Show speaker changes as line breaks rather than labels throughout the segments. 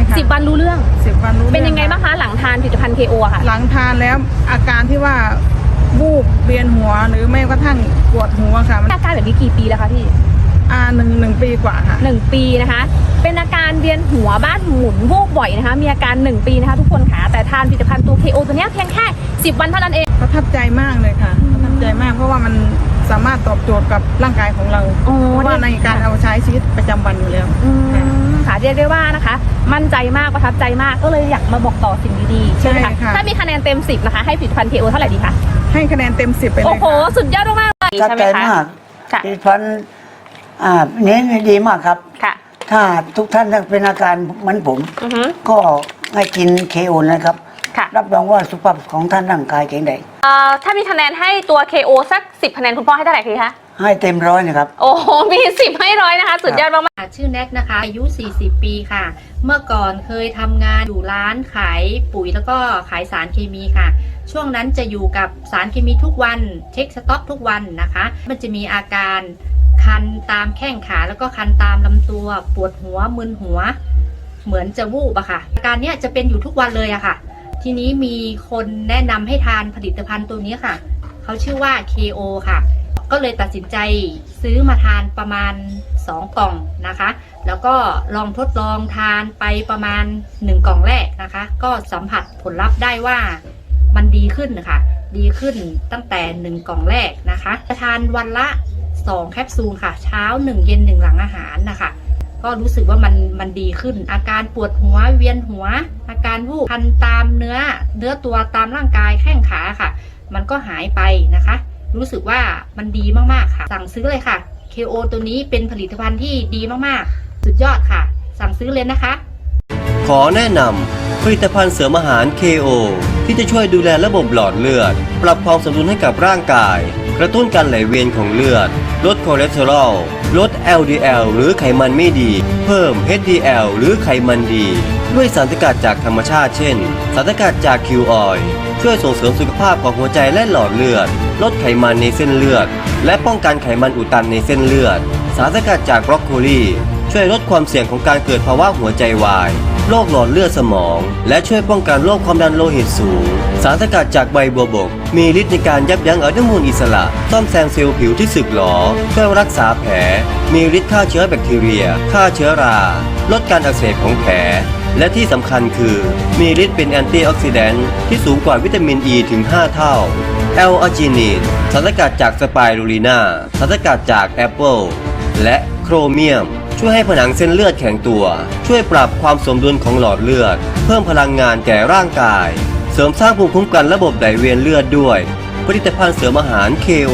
10 วันรู้เรื่อง
10 วันรู้
เป็นยังไงบ้างคะหลังทานผลิตภัณฑ์ KO ค่ะ
หลังทานแล้วอาการที่ว่าวูบเวียนหัวหรือไม่กระทั่งปวดหัวค่ะ
อาการแบบนี้กี่ปีแล้วคะพี่
หนึ่งปีกว่าค่ะ
1 ปีนะคะเป็นอาการเวียนหัวบ้านหมุนวูบบ่อยนะคะมีอาการ1 ปีนะคะทุกคนค่ะแต่ทานผลิตภัณฑ์ตัว KO ตัวนี้เพียงแค่10 วันเท่านั้นเอง
ประทับใจมากเลยค่ะประทับใจมากเพราะว่ามันสามารถตอบโจทย์กับร่างกายของเราเพราะว่าในการเอาใช้ชีวิตประจำวันอยู่แล้ว
ค่ะเรียกได้ว่านะคะมั่นใจมากประทับใจมากก็เลยอยากมาบอกต่อสิ่งดีๆใช่ไหมคะถ้ามีคะแนนเต็ม10นะคะให้ผลิตภัณฑ์ KO เท่าไหร่ดีคะ
ให้คะแนนเต็ม10ไปเลย
โอ้โหสุดยอดมากเลย
ใช่ไหมคะผลิตภัณฑ์นี้ดีมากครับถ้าทุกท่านเป็นอาการเหมือนผมก็ให้กิน KO นะครับรับรองว่าสุขภาพของท่านร่างกายแข็งแรง
ถ้ามีคะแนนให้ตัว KO สัก10 คะแนนคุณพ่อให้เท่าไหร่คะ
ให้เต็ม100นะครับ
โอ้โหมี10ให้100นะคะสุดยอดมาก
ชื่อแน็กนะคะอายุ40 ปีค่ะเมื่อก่อนเคยทำงานอยู่ร้านขายปุ๋ยแล้วก็ขายสารเคมีค่ะช่วงนั้นจะอยู่กับสารเคมีทุกวันเช็คสต็อกทุกวันนะคะมันจะมีอาการคันตามแข้งขาแล้วก็คันตามลำตัวปวดหัวมึนหัวเหมือนจะวูบอะค่ะอาการเนี้ยจะเป็นอยู่ทุกวันเลยอะค่ะทีนี้มีคนแนะนำให้ทานผลิตภัณฑ์ตัวนี้ค่ะเขาชื่อว่า KO ค่ะก็เลยตัดสินใจซื้อมาทานประมาณ2 กล่องนะคะแล้วก็ลองทดลองทานไปประมาณ1 กล่องแรกนะคะก็สัมผัสผลลัพธ์ได้ว่ามันดีขึ้นนะคะดีขึ้นตั้งแต่1 กล่องแรกนะคะจะทานวันละ2 แคปซูลค่ะเช้า1 เย็น1หลังอาหารนะคะก็รู้สึกว่ามันดีขึ้นอาการปวดหัวเวียนหัวอาการวูบคันตามเนื้อตัวตามร่างกายแข้งขาค่ะมันก็หายไปนะคะรู้สึกว่ามันดีมากๆค่ะสั่งซื้อเลยค่ะ KO ตัวนี้เป็นผลิตภัณฑ์ที่ดีมากๆสุดยอดค่ะสั่งซื้อเลยนะคะ
ขอแนะนำผลิตภัณฑ์เสริมอาหาร KO ที่จะช่วยดูแลระบบหลอดเลือดปรับความสมดุลให้กับร่างกายกระตุ้นการไหลเวียนของเลือดลดคอเลสเตอรอลลด LDL หรือไขมันไม่ดีเพิ่ม HDL หรือไขมันดีด้วยสารสกัดจากธรรมชาติเช่นสารสกัดจากคิวออยล์ช่วยส่งเสริมสุขภาพของหัวใจและหลอดเลือดลดไขมันในเส้นเลือดและป้องกันไขมันอุดตันในเส้นเลือดสารสกัดจากบรอกโคลีช่วยลดความเสี่ยงของการเกิดภาวะหัวใจวายโรคหลอดเลือดสมองและช่วยป้องกันโรคความดันโลหิตสูงสารสกัดจากใบบัวบกมีฤทธิ์ในการยับยั้งอนุมูลอิสระซ่อมแซมเซลล์ผิวที่สึกหรอช่วยรักษาแผลมีฤทธิ์ฆ่าเชื้อแบคทีเรียฆ่าเชื้อราลดการอักเสบของแผลและที่สำคัญคือมีฤทธิ์เป็นแอนตี้ออกซิแดนต์ที่สูงกว่าวิตามินอ e ีถึง5 เท่าแอลอาจินีนสารสกัดจากสไปรูลีนาสารสกัดจากแอปเปิลและโครเมียมช่วยให้ผนังเส้นเลือดแข็งตัวช่วยปรับความสมดุลของหลอดเลือดเพิ่มพลังงานแก่ร่างกายเสริมสร้างภูมิคุ้มกันระบบไหลเวียนเลือดด้วยผลิตภัณฑ์เสริมอาหาร KO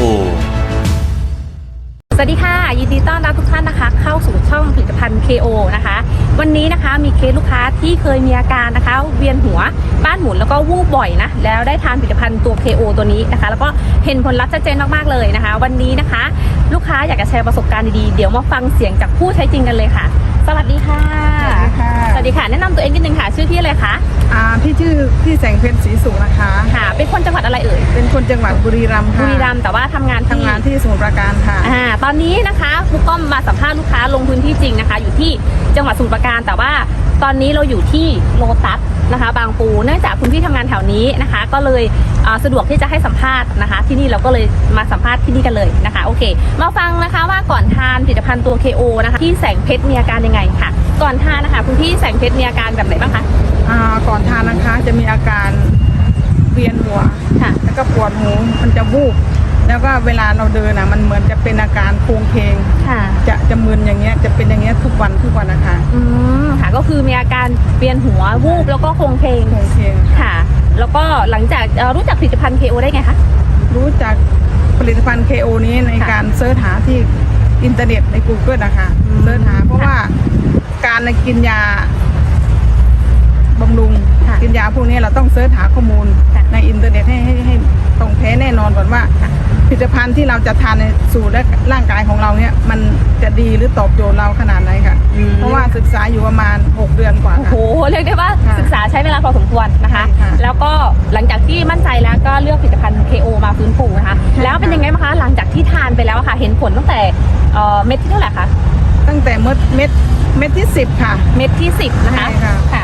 สวัสดีค่ะยินดีต้อนรับทุกท่านนะคะเข้าสู่ช่องผลิตภัณฑ์ KO นะคะวันนี้นะคะมีเคสลูกค้าที่เคยมีอาการนะคะเวียนหัวบ้านหมุนแล้วก็วูบบ่อยนะแล้วได้ทานผลิตภัณฑ์ตัว KO ตัวนี้นะคะแล้วก็เห็นผลลัพธ์ชัดเจนมากๆเลยนะคะวันนี้นะคะลูกค้าอยากจะแชร์ประสบการณ์ดีๆเดี๋ยวมาฟังเสียงจากผู้ใช้จริงกันเลยค่ะสวัสดีค่ะสวัสดีค่ะแนะนำตัวเองนิดนึงค่ะชื่อพี่อะไรคะ
พี่ชื่อพี่แสงเพ็ญศรีสุขนะคะ
ค่ะเป็นคนจังหวัดอะไรเอ่ย
เป็นคนจังหวัดบุรีรัมย์ค่ะ
บุรีรัมย์แต่ว่าทำงาน
ที่สมุทรปราการค่ะ
ตอนนี้นะคะครูก้อมมาสัมภาษณ์ลูกค้าลงพื้นที่จริงนะคะอยู่ที่จังหวัดสมุทรปราการแต่ว่าตอนนี้เราอยู่ที่โลตัสนะคะบางปูเนื่องจากคุณพี่ทำงานแถวนี้นะคะก็เลยสะดวกที่จะให้สัมภาษณ์นะคะที่นี่เราก็เลยมาสัมภาษณ์ที่นี่กันเลยนะคะโอเคมาฟังนะคะว่าก่อนทานผลิตภัณฑ์ตัว KO นะคะที่แสงเพชรมีอาการยังไงค่ะก่อนทานนะคะคุณพี่แสงเพชรมีอาการแบบไหนบ้างคะ
ก่อนทานนะคะจะมีอาการเวียนหัวแล้วก็ปวดหูมันจะวูบแล้วก็เวลาเราเดินมันเหมือนจะเป็นอาการโครงเคงจะมึนอย่างเงี้ยจะเป็นอย่างเงี้ยทุกวันนะคะ
ค่ะก็คือมีอาการเวียนหัววูบแล้วก็โครงเคงค่ะแล้วก็หลังจากรู้จักผลิตภัณฑ์ KO ได้ไงคะ
รู้จักผลิตภัณฑ์ KO นี้ในการเสิร์ชหาที่อินเทอร์เน็ตใน Google นะคะเสิร์ชหาเพราะว่าการกินยาบำรุงกินยาพวกนี้เราต้องเสิร์ชหาข้อมูลในอินเทอร์เน็ตให้ตรงแท้แน่นอนก่อนว่าผลิตภัณฑ์ที่เราจะทานในสู่และร่างกายของเราเนี่ยมันจะดีหรือตอบโจทย์เราขนาดไหนค่ะเพราะว่าศึกษาอยู่ประมาณ6 เดือนกว่า
โอ้โหเรียกได้ว่าศึกษาใช้เวลาพอสมควรนะคะแล้วก็หลังจากที่มั่นใจแล้วก็เลือกผลิตภัณฑ์ KO มาฟื้นฟูนะคะแล้วเป็นยังไงบ้างคะหลังจากที่ทานไปแล้วค่ะเห็นผลตั้งแต่เม็ดที่เท่าไหร่คะ
ตั้งแต่เม็ดที่10ค่ะ
เม็ดที่10นะคะค่ะ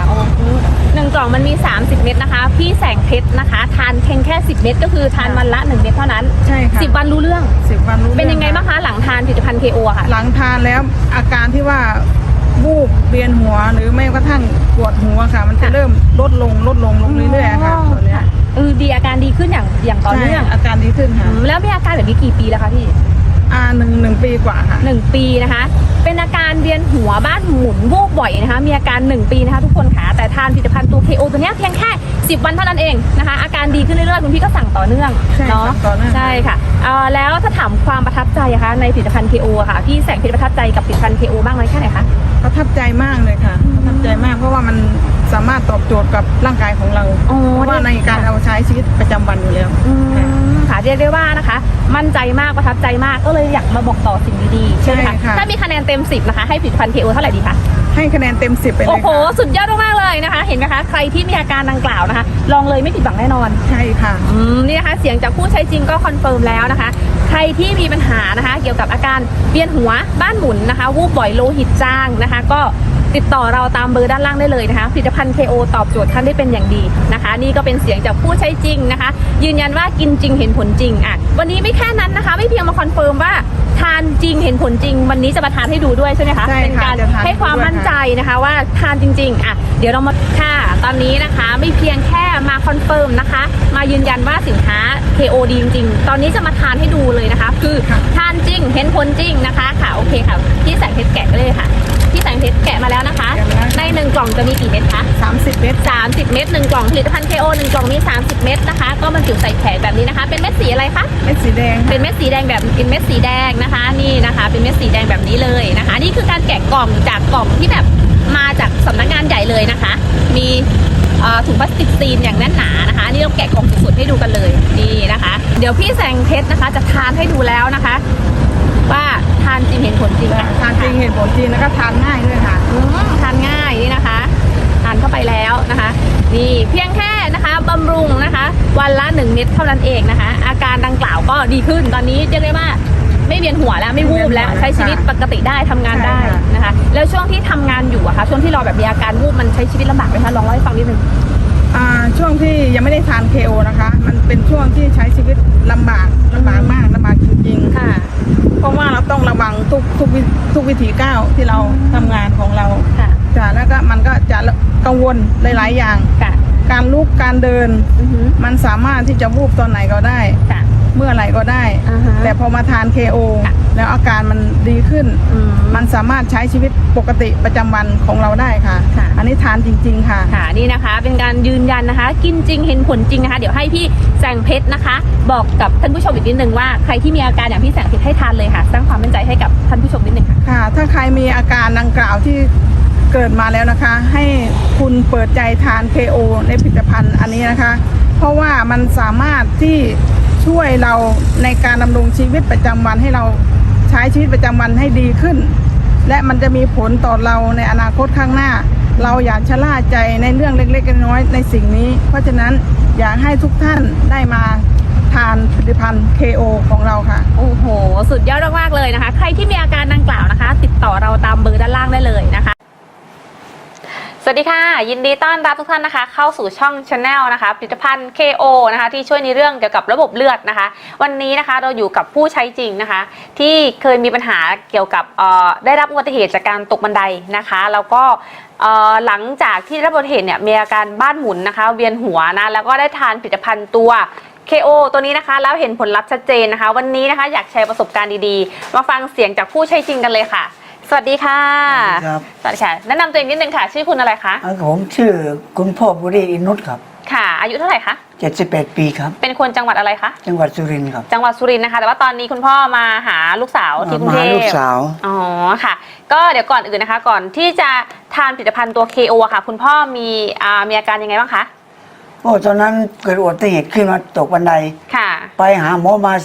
โอ้หนึ่งกล่องมันมี30 เม็ดนะคะพี่แสงเพชรนะคะทานเพียงแค่10 เม็ดก็คือทานวันละ1 เม็ดเท่านั้น
ใช่ค่ะ
10 วันรู้เรื่อง
10 วันรู้
เป็นยังไงบ้างคะหลังทานผลิตภัณฑ์ KO อะค่ะ
หลังทานแล้วอาการที่ว่าวูบเวียนหัวหรือไม่กระทั่งปวดหัวค่ะ มันจะเริ่มลดลงเรื่อยๆค่ะตอนเนี้ย
ดีอาการดีขึ้นอย่างต่อเนื่อง
ใช่อาการดีขึ้นค่ะ
แล้วมีอาการแบบนี้กี่ปีแล้วคะพี่
หนึ่งปีกว่าค่ะ
1 ปีนะคะ เป็นอาการเวียนหัวบ้านหมุนวูบบ่อยนะคะ มีอาการ1 ปีนะคะทุกคนค่ะแต่ทานผลิตภัณฑ์ตัว KO ตัวเนี้ยเพียงแค่10 วันเท่านั้นเองนะคะ อาการดีขึ้นเรื่อยๆคุณพี่ก็สั่งต่อเนื่อง
ใช่
เนาะ
สั่งต่อเนื่อง
ใช่ค่ะแล้วถ้าถามความประทับใจอะคะในผลิตภัณฑ์ KO อะค่ะพี่แสงเพชรประทับใจกับผลิตภัณฑ์ KO บ้างไหมแค่ไหนคะ
ประทับใจมากเลยค่ะประทับใจมากเพราะว่ามันสามารถตอบโจทย์กับร่างกายของเรา
อ๋อ
เพราะว่าในการเอาใช้ชีวิตประจำวันอยู่แล้ว
ค่ะเรียกได้ว่านะคะ มั่นใจมากประทับใจมากก็เลยอยากมาบอกต่อสิ่งดีๆใช่ไหม
ใช่ค่ะ
ถ้ามีคะแนนเต็ม 10นะคะให้ผลิตภัณฑ์ KO เท่าไหร่ดีคะ
ให้คะแนนเต็ม 10ไปเล
โอ้
ย
โห
ค่ะ
สุดยอดมากๆเลยนะคะ เห็นไหมคะ ใครที่มีอาการดังกล่าวนะคะ ลองเลยไม่ผิดหวังแน่นอน
ใช่ค่ะ
นี่นะคะ เสียงจากผู้ใช้จริงก็คอนเฟิร์มแล้วนะคะ ใครที่มีปัญหานะคะ เกี่ยวกับอาการเวียนหัวบ้านหมุนนะคะ วูบบ่อยโลหิตจางนะคะ ก็ติดต่อเราตามเบอร์ด้านล่างได้เลยนะคะ ผลิตภัณฑ์ KO ตอบโจทย์ท่านได้เป็นอย่างดีนะคะ นี่ก็เป็นเสียงจากผู้ใช้จริงนะคะ ยืนยันว่ากินจริงเห็นผลจริงอ่ะวันนี้ไม่แค่นั้นนะคะ ไม่เพียงมาคอนเฟิร์มว่าทานจริงเห็นผลจริง วันนี้จะมาทานให้ดูด้วยใช่ไหมคะ
ใช่ค่ะ
เป็นการ
จะทาน
ให้ความมั่นใจนะคะว่าทานจริงๆอ่ะเดี๋ยวเรามาค่ะตอนนี้นะคะไม่เพียงแค่มาคอนเฟิร์มนะคะ มายืนยันว่าสินค้า KO ดีจริงๆตอนนี้จะมาทานให้ดูเลยนะคะ คือทานจริงเห็นผลจริงนะคะค่ะโอเคค่ะพี่แสงเพชรแกะไปเลยค่ะพี่แสงเพชรแกะมาแล้วนะคะ ใน1 กล่องจะมีกี่เม็ดคะ
30 เม็ด
30 เม็ด1 กล่องผลิตภัณฑ์ KO 1 กล่องมี30 เม็ดนะคะก็บรรจุใส่แผงแบบนี้นะคะ เป็นเม็ดสีอะไรคะ
เม็ดสีแดง
เป็นเม็ดสีแดงแบบเป็นเม็ดสีแดงนะคะนี่นะคะเป็นเม็ดสีแดงแบบนี้เลยนะคะนี่คือการแกะกล่องจากกล่องที่แบบมาจากสำนักงานใหญ่เลยนะคะ มีถุงพลาสติกซีนอย่างแน่นหนานะคะนี่เราแกะกล่องสดๆให้ดูกันเลยนี่นะคะ เดี๋ยวพี่แสงเพชรนะคะจะทานให้ดูแล้วนะคะ ว่าทานจริงเห็นผลจริงค่ะ
ทานจริงเห็นผลจริงแล้วก็ทานง่ายด้วยค่ะ
ทานง่ายนี่นะคะทานเข้าไปแล้วนะคะนี่เพียงแค่นะคะบำรุงนะคะวันละ1 เม็ดเท่านั้นเองนะคะ อาการดังกล่าวก็ดีขึ้นตอนนี้เรียกได้ว่าไม่เวียนหัวแล้วไม่วูบแล้วใช้ชีวิตปกติได้ทำงานได้นะคะแล้วช่วงที่ทำงานอยู่อะคะช่วงที่เราแบบมีอาการวูบมันใช้ชีวิตลำบากไหมคะลองเล่าให้ฟังนิดนึง
ช่วงที่ยังไม่ได้ทาน KO นะคะ มันเป็นช่วงที่ใช้ชีวิตลำบากมากลำบากจริงๆ
ค่ะ
เพราะว่าเราต้องระวังทุกวิถีก้าวที่เราทำงานของเรา
ค่ะ
จ้ะแล้วก็มันก็จะกังวลหลายๆอย่าง
ค่ะ
การลุกการเดิน
อือฮึ
มันสามารถที่จะวูบตอนไหนก็ได้
ค่ะ
เมื่อไหร่ก็ได้
อ่าฮะ
แต่พอมาทาน KO
ค่ะ
แล้วอาการมันดีขึ้น มันสามารถใช้ชีวิตปกติประจำวันของเราได้ค่ะ
ค่ะ
อันนี้ทานจริง ๆ ค่ะ
ค่ะนี่นะคะเป็นการยืนยันนะคะ กินจริงเห็นผลจริงนะคะ เดี๋ยวให้พี่แสงเพชรนะคะ บอกกับท่านผู้ชมอีกนิดนึงว่าใครที่มีอาการอย่างพี่แสงเพชรให้ทานเลยค่ะ สร้างความมั่นใจให้กับท่านผู้ชมนิดนึงค่ะ
ค่ะ ถ้าใครมีอาการดังกล่าวที่เกิดมาแล้วนะคะ ให้คุณเปิดใจทาน KO ในผลิตภัณฑ์อันนี้นะคะ เพราะว่ามันสามารถที่ช่วยเราในการดำรงชีวิตประจำวันให้เราใช้ชีวิตประจำวันให้ดีขึ้น และมันจะมีผลต่อเราในอนาคตข้างหน้า เราอย่าชะล่าใจในเรื่องเล็กๆน้อยๆในสิ่งนี้ เพราะฉะนั้นอยากให้ทุกท่านได้มาทานผลิตภัณฑ์ KO ของเราค่ะ
โอ้โห สุดยอดมากๆเลยนะคะ ใครที่มีอาการดังกล่าวนะคะ ติดต่อเราตามเบอร์ด้านล่างได้เลยนะคะ สวัสดีค่ะ ยินดีต้อนรับทุกท่านนะคะ เข้าสู่ช่อง Channel นะคะผลิตภัณฑ์ KO นะคะที่ช่วยในเรื่องเกี่ยวกับระบบเลือดนะคะ วันนี้นะคะเราอยู่กับผู้ใช้จริงนะคะ ที่เคยมีปัญหาเกี่ยวกับได้รับอุบัติเหตุจากการตกบันไดนะคะแล้วก็หลังจากที่ได้รับอุบัติเหตุเนี่ยมีอาการบ้านหมุนนะคะเวียนหัวนะแล้วก็ได้ทานผลิตภัณฑ์ตัว KO ตัวนี้นะคะแล้วเห็นผลลัพธ์ชัดเจนนะคะ วันนี้นะคะอยากแชร์ประสบการณ์ดีๆมาฟังเสียงจากผู้ใช้จริงกันเลยค่ะสวัสดีค่ะ
ครับ
สวัสดีค่ะแนะนำตัวเองนิดนึงค่ะชื่อคุณอะไรคะ
ผมชื่อคุณพ่อบุรีอินุตครับ
ค่ะอายุเท่าไหร่คะ
71 ปีครับ
เป็นคนจังหวัดอะไรคะ
จังหวัดสุรินทร์ครับ
จังหวัดสุรินทร์นะคะแต่ว่าตอนนี้คุณพ่อมาหาลูกสาวที่กรุงเท
มา
พ
ลูกสาว
อ๋อค่ะ ก็เดี๋ยวก่อนอื่นนะคะ ก่อนที่จะทานผลิตภัณฑ์ตัว KO อะค่ะ คุณพ่อมีอาการยังไงบ้างคะ
โอ้ตอนนั้นเกิดอุบัติเหตุขึ้นมาตกบันได
ค่ะ
ไปหาหมอมา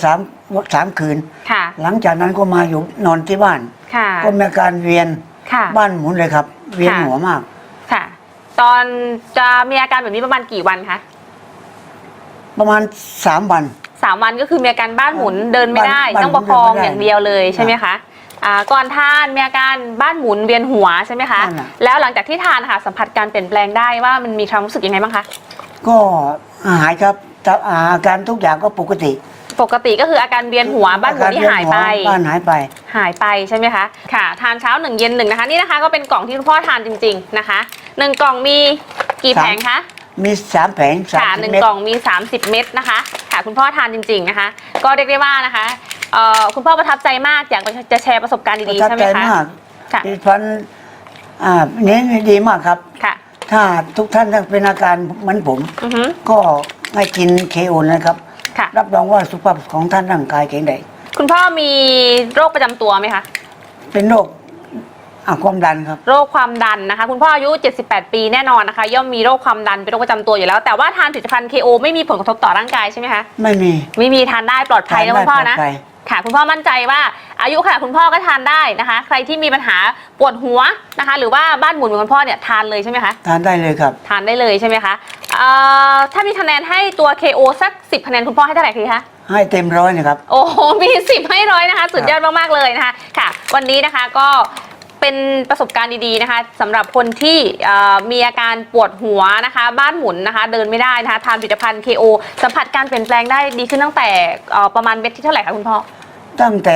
3 คืน
ค่ะ
หลังจากนั้นก็มาอยู่นอนที่บ้าน
ค่ะ
ก็มีอาการเวียน
ค่ะ
บ้านหมุนเลยครับ เวียนหัวมาก
ค่ะ ตอนจะมีอาการแบบนี้ประมาณกี่วันคะ
ประมาณ3 วัน
3 วันก็คือมีอาการบ้านหมุนเดินไม่ได้
บ้าน
ต้องประคอง
เดินไม่ได้
อย่างเดียวเลยใช่ไหมคะก่อนทานมีอาการบ้านหมุนเวียนหัวใช่ไหมคะแล้วหลังจากที่ทานค่ะสัมผัสการเปลี่ยนแปลงได้ว่ามันมีความรู้สึกยังไงบ้างคะ
ก็หายครับอาการทุกอย่างก็ปกติ
ก็คืออาการเวียนหัวบ้านหมุนที่หายไป
หายไป
ใช่ไหมคะค่ะทานเช้า1เย็น1นะคะนี่นะคะก็เป็นกล่องที่คุณพ่อทานจริงๆนะคะ1กล่องมีกี่แผงคะ
มี3แผง
ค่ะ1กล่องมี30เม็ดนะคะค่ะคุณพ่อทานจริงๆนะคะก็เรียกได้ว่านะคะคุณพ่อประทับใจมากอยากจะแชร์ประสบการณ์ดีๆใช่ไหมคะ
ประทับใจมากค่ะผลิตภัณฑ์นี้ดีมากครับ
ค่ะ
ถ้าทุกท่านเป็นอาการเหมือนผมก็ให้กินKOนะครับรับรองว่าสุขภาพของท่านร่างกายแข็งแรง
คุณพ่อมีโรคประจำตัวไหมคะ
เป็นโรคความดันครับ
โรคความดันนะคะคุณพ่ออายุ78ปีแน่นอนนะคะย่อมมีโรคความดันเป็นโรคประจำตัวอยู่แล้วแต่ว่าทานผลิตภัณฑ์KOไม่มีผลกระทบต่อร่างกายใช่ไหมคะ
ไม่
มีทานได้ปลอดภัยนะคุณพ่อนะค่ะคุณพ่อมั่นใจว่าอายุค่ะคุณพ่อก็ทานได้นะคะใครที่มีปัญหาปวดหัวนะคะหรือว่าบ้านหมุนเหมือนคุณพ่อเนี่ยทานเลยใช่ไหมคะ
ทานได้เลยครับ
ทานได้เลยใช่ไหมคะถ้ามีคะแนนให้ตัว KO สัก10คะแนนคุณพ่อให้เท่าไหร่คะ
ให้เต็ม100นะครับ
โอ้โหมี10ให้100นะคะสุดยอดมากๆเลยนะคะค่ะวันนี้นะคะก็เป็นประสบการณ์ดีๆนะคะสำหรับคนที่มีอาการปวดหัวนะคะบ้านหมุนนะคะเดินไม่ได้นะคะทานผลิตภัณฑ์ KO สัมผัสการเปลี่ยนแปลงได้ดีขึ้นตั้งแต่ประมาณเม็ดที่เท่าไหร่คะคุณพ่อ
ตั้งแต่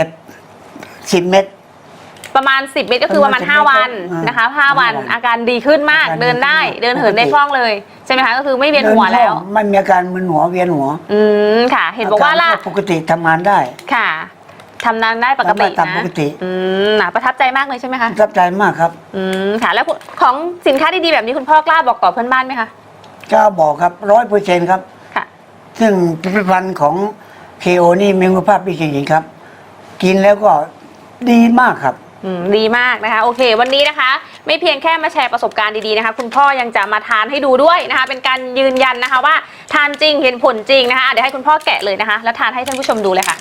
10 เม็ด
ประมาณ10เม็ดก็คือประมาณ5วันนะคะ5วันอาการดีขึ้นมากเดินได้เดินเหินได้คล่องเลยใช่ไหมคะก็คือไม่เวียนหัวแล้ว
ไม่มีอาการมึนหัวเวียนหัว
ค่ะเห็นบอกว่า
ปกติทำงานได้
ค่ะทำงานได้ปกตินะ
ปกติ
ประทับใจมากเลยใช่ไหมคะ
ประทับใจมากครับ
ค่ะแล้วของสินค้าดีๆแบบนี้คุณพ่อกล้าบอกต่อเพื่อนบ้านไหมคะ
กล้าบอกครับ100%ครับ
ค่ะ
ซึ่งผลิตภัณฑ์ของKOนี่มีคุณภาพดีจริงๆครับกินแล้วก็ดีมากครับ
ดีมากนะคะโอเควันนี้นะคะไม่เพียงแค่มาแชร์ประสบการณ์ดีๆนะคะคุณพ่อยังจะมาทานให้ดูด้วยนะคะเป็นการยืนยันนะคะว่าทานจริงเห็นผลจริงนะคะเดี๋ยวให้คุณพ่อแกะเลยนะคะแล้วทานให้ท่านผู้ชมดูเลยค่ะ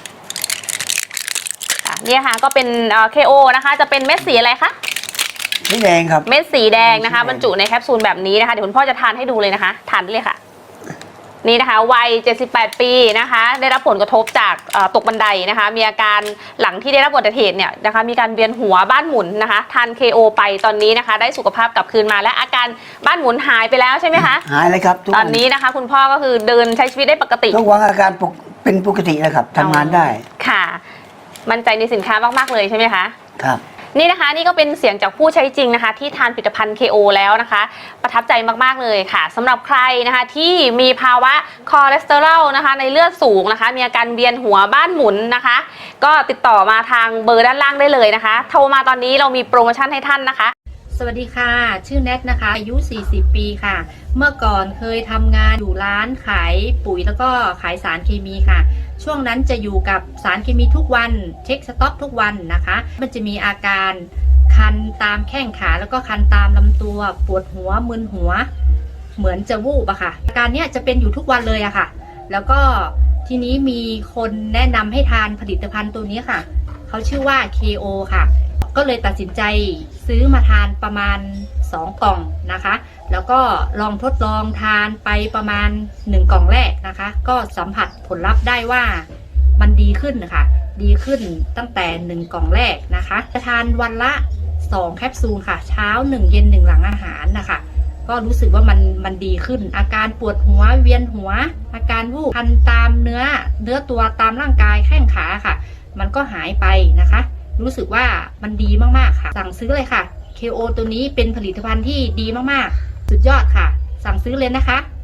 นี่ค่ะก็เป็นKOนะคะจะเป็นเม็ดสีอะไรคะ
สีแดงครับ
เม็ดสีแดงนะคะบรรจุในแคปซูลแบบนี้นะคะเดี๋ยวคุณพ่อจะทานให้ดูเลยนะคะทานได้เลยค่ะนี่นะคะวัย78ปีนะคะได้รับผลกระทบจากตกบันไดนะคะมีอาการหลังที่ได้รับอุบัติเหตุเนี่ยนะคะมีการเวียนหัวบ้านหมุนนะคะทาน KO ไปตอนนี้นะคะได้สุขภาพกลับคืนมาและอาการบ้านหมุนหายไปแล้วใช่ไหมคะ
หายเลยครับ
ตอนนี้นะคะคุณพ่อก็คือเดินใช้ชีวิตได้ปกติ
ทุกวันอาการเป็นปกติแล้วครับทำงานได้
ค่ะมั่นใจในสินค้ามากๆเลยใช่ไหมคะ
ครับ
นี่นะคะนี่ก็เป็นเสียงจากผู้ใช้จริงนะคะที่ทานผลิตภัณฑ์ KO แล้วนะคะประทับใจมากๆเลยค่ะสำหรับใครนะคะที่มีภาวะคอเลสเตอรอลนะคะในเลือดสูงนะคะมีอาการเวียนหัวบ้านหมุนนะคะก็ติดต่อมาทางเบอร์ด้านล่างได้เลยนะคะโทรมาตอนนี้เรามีโปรโมชั่นให้ท่านนะคะ
สวัสดีค่ะชื่อแนทนะคะอายุ40ปีค่ะเมื่อก่อนเคยทำงานอยู่ร้านขายปุ๋ยแล้วก็ขายสารเคมีค่ะช่วงนั้นจะอยู่กับสารเคมีทุกวันเช็คสต็อกทุกวันนะคะมันจะมีอาการคันตามแข้งขาแล้วก็คันตามลำตัวปวดหัวมึนหัวเหมือนจะวูบอะค่ะอาการเนี้ยจะเป็นอยู่ทุกวันเลยอะค่ะแล้วก็ทีนี้มีคนแนะนำให้ทานผลิตภัณฑ์ตัวนี้ค่ะเขาชื่อว่า KO ค่ะก็เลยตัดสินใจซื้อมาทานประมาณ2 กล่องนะคะแล้วก็ลองทดลองทานไปประมาณ1 กล่องแรกนะคะก็สัมผัสผลลัพธ์ได้ว่ามันดีขึ้นค่ะดีขึ้นตั้งแต่1 กล่องแรกนะคะจะทานวันละ2 แคปซูลค่ะเช้า1 เย็น 1หลังอาหารนะคะก็รู้สึกว่ามันดีขึ้นอาการปวดหัวเวียนหัวอาการวูบคันตามเนื้อตัวตามร่างกายแข้งขาค่ะมันก็หายไปนะคะรู้สึกว่ามันดีมากๆค่ะสั่งซื้อเลยค่ะ KO ตัวนี้เป็นผลิตภัณฑ์ที่ดีมากๆสุดยอดค่ะสั่งซื้อเลยนะคะ